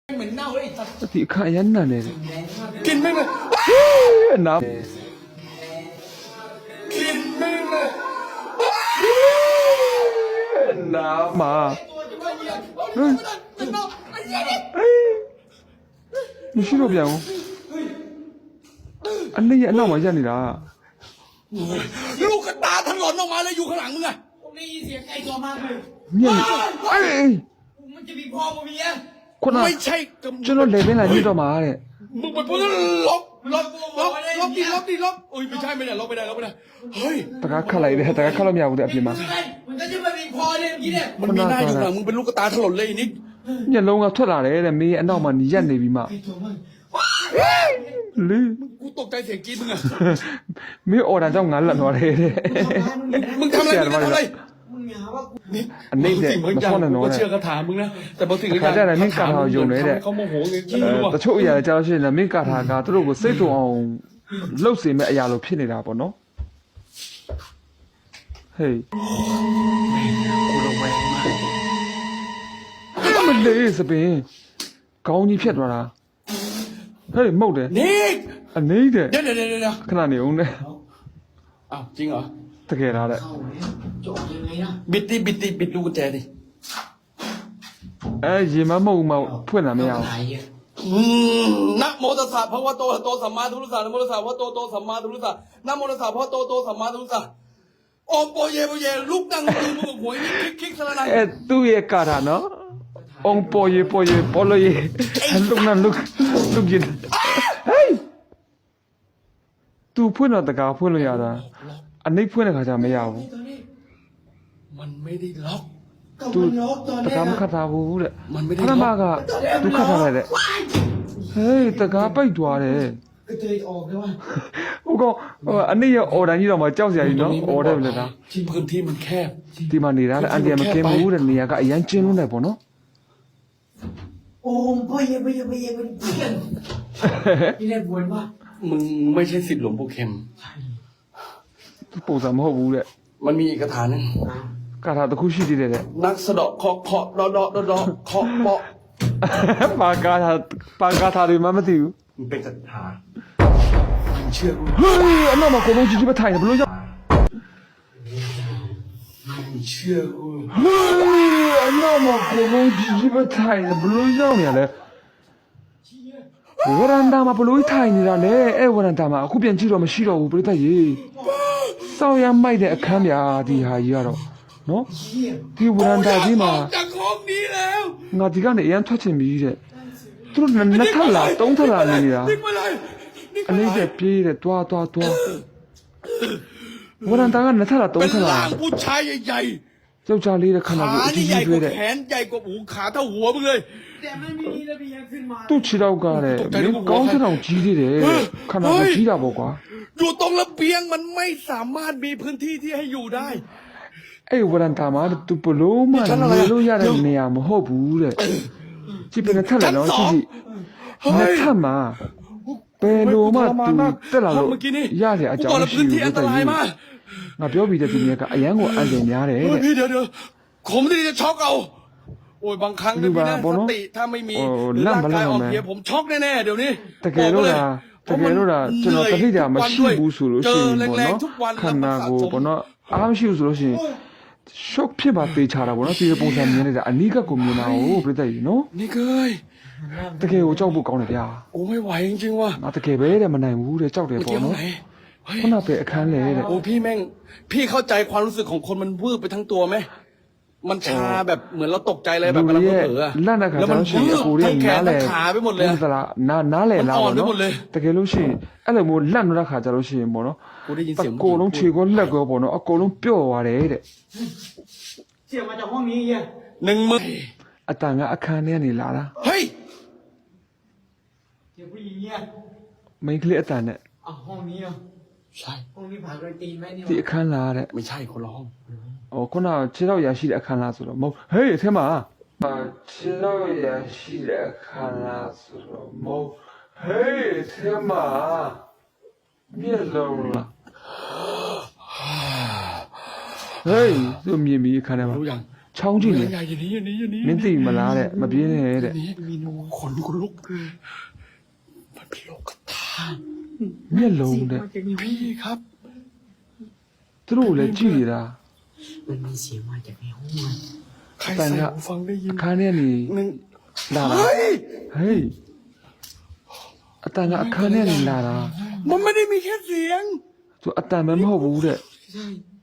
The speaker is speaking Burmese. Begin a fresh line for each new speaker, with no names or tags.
เหม็นเน่าเลยสัตว์
ဒီအခါရမ်းနန်နေတယ်
กินไม่เลย
နား
กินไม่เลย
နားမှာ
มันเน่าไอ้เหี้ยเนี่ย
မရှိတော့ပြန်ဘူးအနည်းရအနောက်မှာရက်နေတာ
ลูกกระตาถลนออกมาเลยอยู่ข้างหลังมึงอะผมได้ยินเสียงไก่ตัวมากเลย
ညက်အေး
มันจะมีพ่อมึงมีอะ
ခုန
ไม่ใช่
ကျွန်တော်လေပင်လာညစ်တော့မှာတဲ့
มึงไปพูดล็อกดิโอ้ยไม่ใช่ไม่ได้ล็อกไม่ได้เฮ้ย
တကားခတ်လိုက်တယ်တကားခတ်လို့မရဘူးတဲ့အပြင်မှာ
มันก็จะไม่มีพ่อเนี่ยเมื่อกี้เนี่ยมันมีหน้าอยู่หลังมึงเป็นลูกกระตาถลนเลยนิก
ညက်လုံးကထွက်လာတယ်တဲ့မင်းရဲ့အနောက်မှာညက်နေပြီမှလေ
กูตกใจเสียงกรี๊ดมึงอะ
မင်းအော်ဒါကြောင့်ငါလက်သွားတယ်တဲ့
มึงทำอะไรมึงทำอะไร
အနိမ့်တဲ့မဆောနဲ့
กู
နော်
ก็
တဲ့
เชื่อคาถามึงนะแต่บางสิ่งบาง
ခါကြတယ်မင်းကာထာကိုယုံနေတဲ့
เขาโมโหไงกูไม่รู้อะ
တချို့အရာကြောက်ရှင်လည်းမင်းကာထာကသူတို့ကိုစိတ်တုံအောင်လှုပ်စေမဲ့အရာလိုဖြစ်နေတာပေါ့နော်ဟေး
กูระแวงมาก
မလေးစပင်ကောင်းကြီးဖြတ်သွားတာဟေးမှုတ်တယ်
นิก
အနေတဲ့
เดี๋ยว
ခဏနေအောင်နဲ့
อ้าวจริงเหรอ
တကယ်လားတဲ့
บิดดูกุญแจดิ
ရေမမှုတ်မှဖွင့်တာမရဘူး
นะโมตัสสะภะคะวะโตอะระหะโตสัมมาสัมพุทธัสสะนะโมตัสสะภะคะวะโตสัมมาสัมพุทธัสสะนะโมตัสสะภะคะวะโตสัมมาสัมพุทธัสสะโอมโปเยลุกนั่งยืนมึงหวยนี่คลิกสะละนัน
သူ့ရဲ့ကာထာနော်အောင်ပေါ်ရေပေါ်လို့ရေလုကနလုကရင်ဟေးသူဖွင့်တော့တကားဖွင့်လို့ရတာအနိမ့်ဖွင့်တဲ့ခါကျမရဘူး
มันไม่ได้ล็อก
သူတကားမခတ်ထားဘူးတဲ့
มันไม่ได้
ခဏ
ล็
မ
อก
ကသူခတ်ထားလိုက်တဲ့ဟေးတကားပိတ်သွားတယ်
ก็เจอออกได้ว่า
ဟုတ်ကောအနိမ့်ရဲ့အော်တန်ကြီးတော့မှကြောက်စရာကြီးနော်အော်တယ်လေဒါ
ที่พื้นที่มันแคบ
ဒီမှာနေတာတဲ့အန်တီမကင်းဘူးတဲ့နေရာကအရန်ကျင်းလုံးတယ်ပေါ့နော်
โอ้มพ่อเย่เป็นเพื่อนนี่แหละบวนว่า
มึงไม่ใช่ศิษย์หลวงปู่เข็ม
သူပုံစံမဟုတ်ဘူးတဲ့
มันมีอีกคาถาหนึง
ကာထာတစ်ခုရှိသေးတယ်တဲ့
นักสะเดาะเคาะดอเคาะเปาะ
ပါကာထာတွေမှမသိဘူး
มันเป็นคาถามันเชื่อกู
ဟေးအနောက်မှာကိုလုံးကြီးကြီးပဲထိုင်တယ်ဘလို့ကြောက်
มันเชื่อกู
ဟေးအနောက်မှာကိုလုံးကြီးကြီးပဲထိုင်တယ်ဘလို့ကြောက်နေရလဲဝရန်တာမှာဘလို့ထိုင်နေတာလဲအဲ့ဝရန်တာမှာအခုပြန်ကြည့်တော့မရှိတော့ဘူးပြိတ္တရေစောက်ရမိုက်တဲ့အခန်းပြာဒီဟာကြီးကတော့နော်ဒီဝရန်တာကြီးမှာ
ออกจากห้องนี้แล้ว
ငါဒီကနေအရန်ထွက်ချင်ပြီတဲ့သူတို့နှစ်ထပ်လားသုံးထပ်လားနေနေတာ
นิกไปเลยนิก
အလေးတဲ့ပြေးတဲ့တွားဝရန်တာကနှစ်ထပ်လားသုံး
เป็น
ထပ်
ร่า
လား
งผู้ชายใหญ่
ယောက်ျားလေးတဲ့ခ
ๆ
န္ဓာ
ขา
ကိုယ်အ
นี่
ကြီး
ใหญ่
ကြီး
ก
တွေ
ว่า
တဲ့
แขนใหญ่กว่าหูขาเท่าหัวมึงเลย
แต่ไม่มีระเบียงขึ้นมา
သူ့ခြေတော့ကတဲ့မင်းကောင်းတဲ့အောင်ကြီးသေးတယ်ခန္ဓာကိုယ်ကြီးတာပေါ့ကွာ
อยู่ตรงระเบียงมันไม่สามารถมีพื้นที่ที่ให้อยู่ได้
အဲ့ဝရန်တာမှာသူဘလို့မှနေလို့ရတဲ့နေရာမဟုတ်ဘူးတဲ့ကြည့်ပြနေထက်လာတော့ကြည့်နှစ်ထပ်မှာဘယ်လိုမှသူတက်လာလို့
เมื่อกี้นี่
ရတဲ့အကြော
กูบ
င်း
แล้ว
ရှိ
พื้น
ဘူး
ที่อันต
တဲ့
รายมาก
ငါပြောပြီးတဲ့ဒီနေ့ကအရန်ကိုအန်တယ်များတယ်
เฮ้ย
တဲ့
พี่เดี๋ยวผมที่จะช็อกเอาโอ้ยบางครั้งนะพี่นะ
ดู
ส
บ้า
ติถ้าไม่มี
โอ้
หรือร่างกาย
ล่ำ
อ่อน
มา
เพลียผมช็อกแน่ๆเดี๋ยวนี้
တကယ်လို့လားကျွန်တော်တတိယမရှိဘူးဆိုလို့ရှိရင်ပေါ့နော်ခန္ဓာကိုယ်ပေါ့နော်အားမရှိဘူးဆိုလို့ရှိရင်ရှော့ဖြစ်ပါသေးချတာပေါ့နော်ဒီပုံစံမြင်နေတာအနိကကိုမြင်တာကိုပြည့်တဲ့နော်
นี่เคย
တကယ်ကိုကြောက်ဖို့ကောင်းတယ်ဗျာ
โอ้ไม่ไหวจริงๆว่ะ
ငါတကယ်ပဲတဲ့မနိုင်ဘူးတဲ့ကြောက်တယ်
เมื่อ
ပေါ့
กี้ห้อง
နော်
ไหนเฮ้ย
ခုနပဲအခန်းလေတဲ့
โอ้พี่แม่งพี่เข้าใจความรู้สึกของคนมันวืบไปทั้งตัวไหมมันชาแบบเหมือนเราตกใจเลยแบบกำลังเผลออะ
လက်နဲ့ခါ
แล้ว
ကျ
มัน
တော့ရှိရင်
วื
အ
บ
ကိုရဲ့
ทั้งแขน
နားလေ
ทั้งขาไปหมดเลยอะ
သလားနားလေလား
มันอ่อน
ပေါ့
ไปหมดเลย
နော်တကယ်လို့ရှိရင်အဲ့လိုမျိုးလက်နေတဲ့ခါကျတော့ရှိရင်ပေါ့နော်
กูได้ยิน
အ
เสียง
ကိုလုံးခြေကိုလက်ကိုပေါ့နော်အကိုလုံးပြော့သွားတယ်တဲ့
เสียงมาจากห้องนี้เย่
หนึ่งมือ
အတန်ကအခန်းထဲကနေလာတာ
เฮ้ย
เสียงผู้หญิงเนี่ย
မိန်းကလေးအတန်နဲ့
อ่ะห้องนี้อ่ะ
ใช่
ห้องนี้ผ่านโดยตีนไหมเนี่ย
ဒီအခန်းလာတဲ့
ไม่ใช่คนละห้อง
ဟိုခုနခြေတော့ရရှိတဲ့အခန်းလာဆိုတော့မဟုတ်ဟေးအထဲမှာခြေတော့ရရှိတဲ့အခန်းလာဆိုတော့မဟုတ်ဟေးအထဲမှာမျက်လုံးလားဟေးသူမြင်ပြီးအခန်းထဲမှာ
รู้ยัง
ချောင်းကြည့်လေ
อย่าอย่างนี้อย่างนี้อย่างนี้
မင်းသိမလားတဲ့မပြင်းနဲ့တဲ့
ขนลุกมันเป็นโลกธาตุ
မျက်လုံးတဲ့
พี่ครับ
သူတို့လည်းကြည့်နေတာ
มันมีเสียงมาจากในห้องมัน
ใครใส่หูฟังได้ยิน
အခန်းထဲနေ
หนึ่ง
လာတာ
เฮ้ย
ဟေးအတန်ကအခန်းထဲနေလာတာ
มันไม่ได้มีแค่เสียง
သူအတန်ပဲမဟုတ်ဘူးတဲ့
ใช่